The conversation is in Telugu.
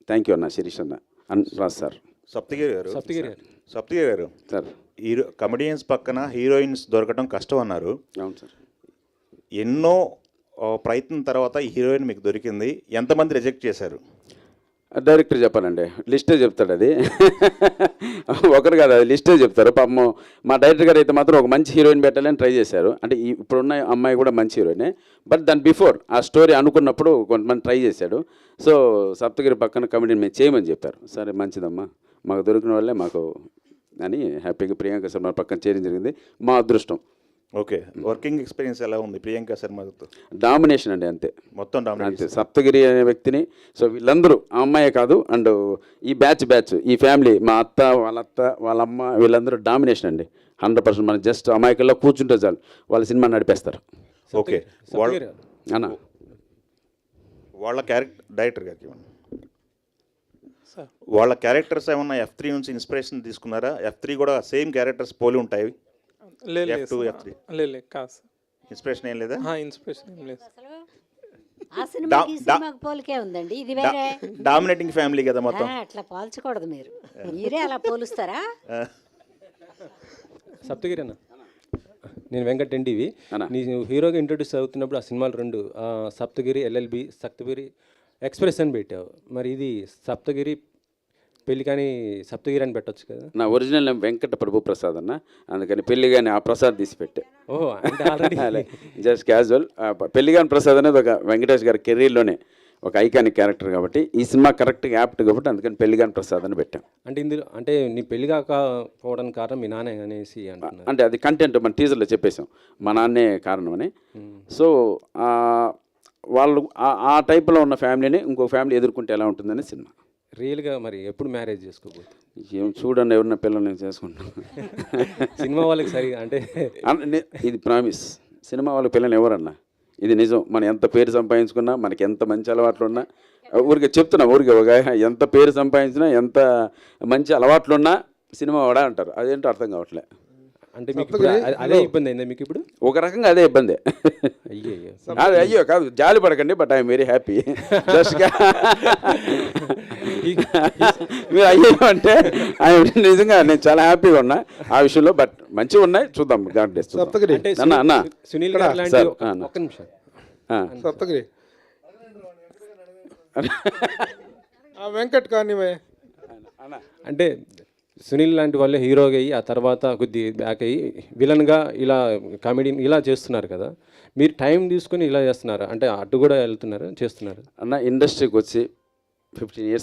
థ్యాంక్ యూ అన్న శిరీష్ అన్న రాజ్ సార్. సప్తగిరి గారు సార్ కమెడియన్స్ పక్కన హీరోయిన్స్ దొరకడం కష్టం అన్నారు. అవును సార్. ఎన్నో ప్రయత్నం తర్వాత ఈ హీరోయిన్ మీకు దొరికింది. ఎంతమంది రిజెక్ట్ చేశారు? డైరెక్టర్ చెప్పాలండి, లిస్టే చెప్తాడు అది. ఒకరు కాదు, అది లిస్టే చెప్తారు. పాపం మా డైరెక్టర్ గారు అయితే మాత్రం ఒక మంచి హీరోయిన్ పెట్టాలని ట్రై చేశారు. అంటే ఇప్పుడున్న అమ్మాయి కూడా మంచి హీరోయినే, బట్ దాని బిఫోర్ ఆ స్టోరీ అనుకున్నప్పుడు కొంతమంది ట్రై చేశాడు. సో సప్తగిరి పక్కన కమెడీని మేము చేయమని చెప్తారు. సరే మంచిదమ్మా, మాకు దొరికిన వాళ్ళే మాకు అని హ్యాపీగా ప్రియాంక శర్మ పక్కన చేయడం జరిగింది. మా అదృష్టం. ఓకే, వర్కింగ్ ఎక్స్పీరియన్స్ ఎలా ఉంది ప్రియాంక శర్మతో? డామినేషన్ అండి, అంతే మొత్తం అంతే. డామినేషన్. సప్తగిరి అనే వ్యక్తిని, సో వీళ్ళందరూ ఆ అమ్మాయే కాదు, అండ్ ఈ బ్యాచ్ ఈ ఫ్యామిలీ, మా అత్త వాళ్ళ అమ్మ వీళ్ళందరూ డామినేషన్ అండి 100%. మనం జస్ట్ అమాయకుల్లో కూర్చుంటే చాలు వాళ్ళ సినిమా నడిపేస్తారు. ఓకే, అన్న వాళ్ళ డైరెక్టర్ గారికి వాళ్ళ క్యారెక్టర్స్ ఏమన్నా F3 నుంచి ఇన్స్పిరేషన్ తీసుకున్నారా? F3 కూడా సేమ్ క్యారెక్టర్స్ పోలి ఉంటాయి. F2 F3 కాదు, ఇన్స్పిరేషన్ ఏం లేదా? ఇన్స్పిరేషన్ ఏం లేదు. ఆ సినిమాకి పోలికే ఉందండి, ఇది వేరే. డామినేటింగ్ ఫ్యామిలీ కదా మొత్తం. అట్లా పోల్చకూడదు, మీరే అలా పోలుస్తారా? సప్తగిరి అన్న, నేను వెంకట్ ఎన్టీవీ. నీ హీరోగా ఇంట్రొడ్యూస్ అవుతున్నప్పుడు ఆ సినిమాలు రెండు సప్తగిరి LLB, సప్తగిరి ఎక్స్ప్రెస్ అని పెట్టావు. మరి ఇది సప్తగిరి పెళ్ళి కానీ సప్తగిరి అని పెట్టొచ్చు కదా? నా ఒరిజినల్ నేమ్ వెంకట ప్రభు ప్రసాద్ అన్న, అందుకని పెళ్లి కానీ ఆ ప్రసాద్ తీసి పెట్టే. ఓహో, అంటే ఆల్రెడీ జస్ట్ క్యాజువల్. పెళ్లి కానీ ప్రసాద్ అనేది ఒక వెంకటేష్ గారి కెరీర్లోనే ఒక ఐకానిక్ క్యారెక్టర్ కాబట్టి ఈ సినిమా కరెక్ట్గా యాప్ట్ కాబట్టి అందుకని పెళ్లి కానీ ప్రసాద్ అని పెట్టాం. అంటే ఇందులో అంటే నీ పెళ్లి కాకపోవడానికి కారణం మీ నాన్న అనేసి అంటున్నారు. అంటే అది కంటెంట్ మన టీజర్లో చెప్పేశాం, మా నాన్నే కారణం అని. సో వాళ్ళు ఆ టైప్లో ఉన్న ఫ్యామిలీని ఇంకో ఫ్యామిలీ ఎదుర్కొంటే ఎలా ఉంటుందని సినిమా. రియల్గా మరి ఎప్పుడు మ్యారేజ్ చేసుకోబోతుంది? ఏం చూడండి, ఎవరన్నా పిల్లల్ని నేను చేసుకుంటాను. సినిమా వాళ్ళకి సరిగా అంటే ఇది ప్రామిస్, సినిమా వాళ్ళకి పిల్లలు ఎవరన్నా, ఇది నిజం. మనం ఎంత పేరు సంపాదించుకున్నా, మనకి ఎంత మంచి అలవాట్లు ఉన్నా, ఊరికే చెప్తున్నా, ఊరికే ఒక ఎంత పేరు సంపాదించినా, ఎంత మంచి అలవాట్లున్నా సినిమా వాడా అంటారు. అదేంటో అర్థం కావట్లే. అంటే మీకు అదే ఇబ్బంది అయిందా మీకు ఇప్పుడు? ఒక రకంగా అదే ఇబ్బంది. అయ్యో కాదు, జాలి పడకండి, but I'm very happy. Just మీరు అయ్యో అంటే నిజంగా నేను చాలా హ్యాపీగా ఉన్నా ఆ విషయంలో. బట్ మంచిగా ఉన్నాయి, చూద్దాం. God bless. అన్న సునీల్ గారు లాంటి ఒక్క నిమిషం. సప్తగిరి వెంకట్ కానీ అంటే సునీల్ లాంటి వాళ్ళే హీరోగా అయ్యి ఆ తర్వాత కొద్ది బ్యాక్ అయ్యి విలన్గా ఇలా కామెడీ ఇలా చేస్తున్నారు కదా, మీరు టైం తీసుకుని ఇలా చేస్తున్నారు అంటే అటు కూడా వెళ్తున్నారు చేస్తున్నారు అన్న. ఇండస్ట్రీకి వచ్చి 15 years